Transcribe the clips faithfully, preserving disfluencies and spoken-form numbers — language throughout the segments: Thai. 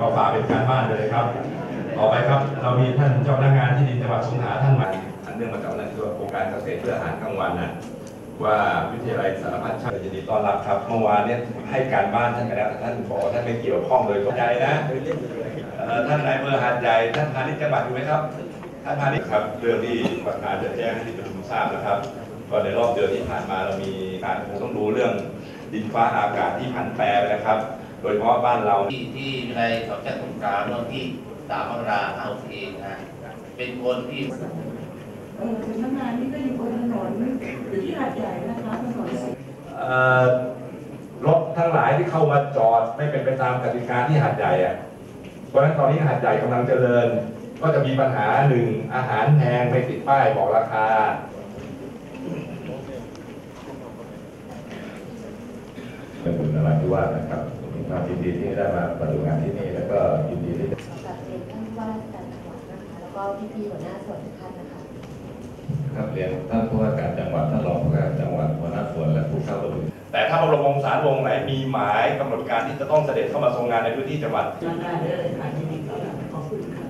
ก็ฝากเป็นการบ้านเลยครับต่อไปครับเรามีท่านเจ้าพนักงานที่ดินจังหวัดสงขลาท่านมาอันเนื่องมาจากนั้นคือโครงการเกษตรเพื่ออาหารกลางวันนะว่าวิทยาลัยสารพัดช่างยินดีต้อนรับครับเมื่อวานเนี่ยให้การบ้านท่านไปแล้วท่านบอกท่านไม่เกี่ยวข้องเลยเข้าใจนะท่านนายอำเภอหาดใหญ่ท่านพาณิชย์จังหวัดอยู่ไหมครับท่านพาณิชย์ครับเรื่องที่ประธานจะแจ้งให้ที่ประชุมทราบนะครับก็ในรอบเดือนที่ผ่านมาเรามีการคงต้องดูเรื่องดินฟ้าอากาศที่ผันแปรไปนะครับโดยเฉพาะบ้านเราที่ที่ในสองจังหวัดสงขลาเมื่อที่สามมกราคมเอาเองนะเป็นคนที่เออสำนักงานนี่ก็อยู่บนถนนอยู่ที่หาดใหญ่นะคะถนนรถทั้งหลายที่เข้ามาจอดไม่เป็นไปตามกติกาที่หาดใหญ่อะเพราะฉะนั้นตอนนี้หาดใหญ่กำลังเจริญก็จะมีปัญหาหนึ่งอาหารแพงไม่ติดป้ายบอกราคาเป็นบุญนราธิวาสนะครับมีความยินดีที่ได้มาปฏิบัติงานที่นี่แล้วก็ยินดีที่กับเรียนท่านว่าราชการจังหวัดนะคะแล้วก็พี่ๆหัวหน้าส่วนทุกท่านนะคะครับเรียนท่านผู้ว่าการจังหวัดท่านรองผู้ว่าการจังหวัดหัวหน้าส่วนและผู้เข้าร่วมแต่ถ้าพระบรมวงศานุวงศ์ไหนมีหมายกำหนดการที่จะต้องเสด็จเข้ามาทรงงานในพื้นที่จังหวัดได้เลยค่ะยินดีต้อนรับขอบคุณค่ะ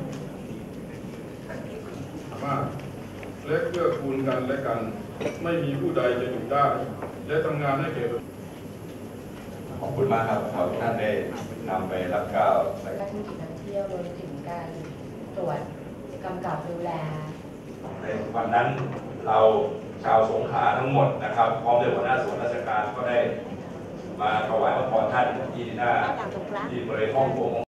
มากและเพื่อคูณกันและกันไม่มีผู้ใดจะอยู่ได้และทำงานให้เกิดขอบคุณมากครับขอท่านได้นำไปรับก้าวธุรกิจท่องเที่ยวรวมถึงการตรวจกำกับดูแลในวันนั้นเราชาวสงขลาทั้งหมดนะครับพร้อมด้วยหัวหน้าส่วนราชการก็ได้มาถวายพระพรท่านที่หน้าที่บริเวณห้องโถง